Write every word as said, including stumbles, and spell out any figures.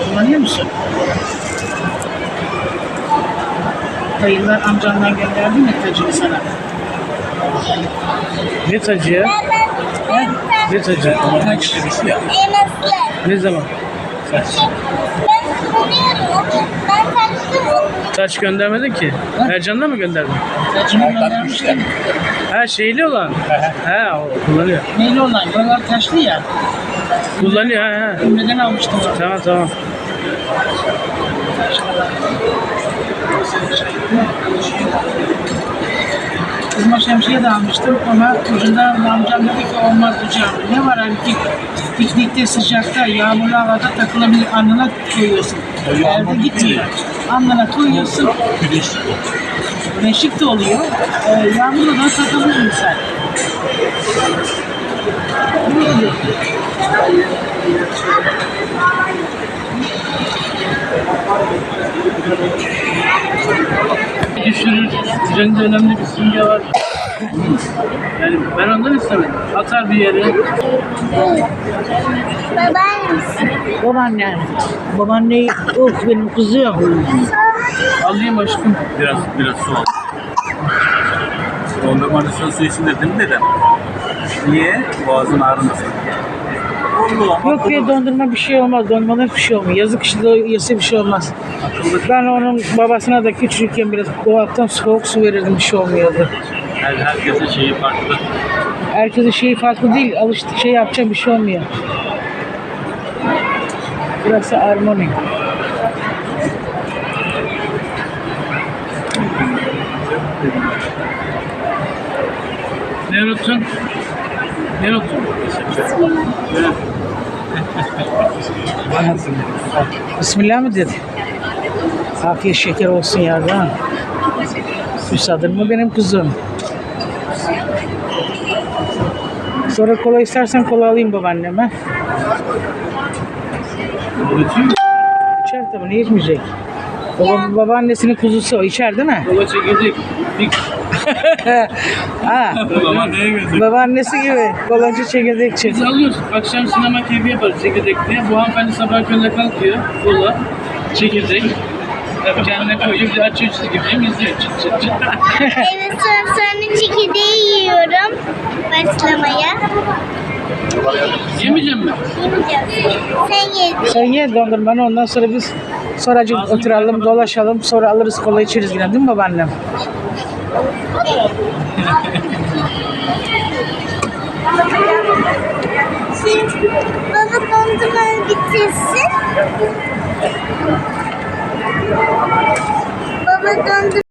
Kullanıyor musun? Dayılar amcanlar gönderdi mi tacını sana? Ne tacı ya? He? Ne tacı? Taç. Ne zaman? Ben kullanıyorum. Ben taktım. Taç göndermedin ki. Ercan'da mı gönderdin? Tacını göndermiştim. Ha şeyli olan. He o kullanıyor. Neyli olan? Buralar taşlı ya. Kullanıyor ha ha. Ümreden almıştım. Tamam tamam. Kızma şemsiye de almıştım ama ucunda amcam dedi ki olmaz hocam. Ne var hani piknikte sıcakta yağmurlu havada takılabilir, alnına koyuyorsun. Elde gitmiyor. Alnına koyuyorsun. Güneşlik de oluyor. Ee, yağmurlu da takılır insan. Ne oluyor? Düşürür. Üzerinde önemli bir simge var. Yani ben ondan istemedim. Atar bir yere. Babaannesi. Babaannen. Babaanneyi, oh benim kızım. Alayım aşkım. Biraz biraz su al. Dondurmanın su için dedim dedem. Niye? Boğazın ağrımasın. Yok ya dondurma bir şey olmaz. Dondurmada hiçbir şey olmuyor. Yazık işte yese bir şey olmaz. Ben onun babasına da küçükken biraz dolaptan soğuk su verirdim, bir şey olmuyordu. Her, herkesin şeyi farklı. Herkesin şeyi farklı değil. Alıştık şey yapacağım bir şey olmuyor. Burası armoni. Ne unuttun? Ne unuttun? Bismillah mı dedi? Afiyet şeker olsun yardan. Müsaaden mı benim kızım? Sonra kola istersen kola alayım babaanneme. İçer tabii, niye içmeyecek? Baba, babaannesinin kuzusu o, içer değil mi? Kola çekirdek. Bir Ha, Ama neye gözüküyor? babaannesi gibi kolancı çekirdekçi. Biz alıyoruz. Akşam sinema keyfi yaparız çekirdek diye. Bu hanımefendi sabah köründe kalkıyor. Kola, çekirdek. Tabii kendine koyuyor. Bir de açıyor çizgi film izliyor. Çıt çıt çıt. Evet, sonra sonra çekirdeği yiyorum. Başlamaya. Yemeyeceğim mi? Yemeyeceğim. Sen ye. Sen ye dondurmanı, ondan sonra biz sonracık oturalım, dolaşalım, sonra alırız kola içeriz yine, değil mi babaannem? Şimdi baba dondurmanı bitirsin. Baba dondurmanı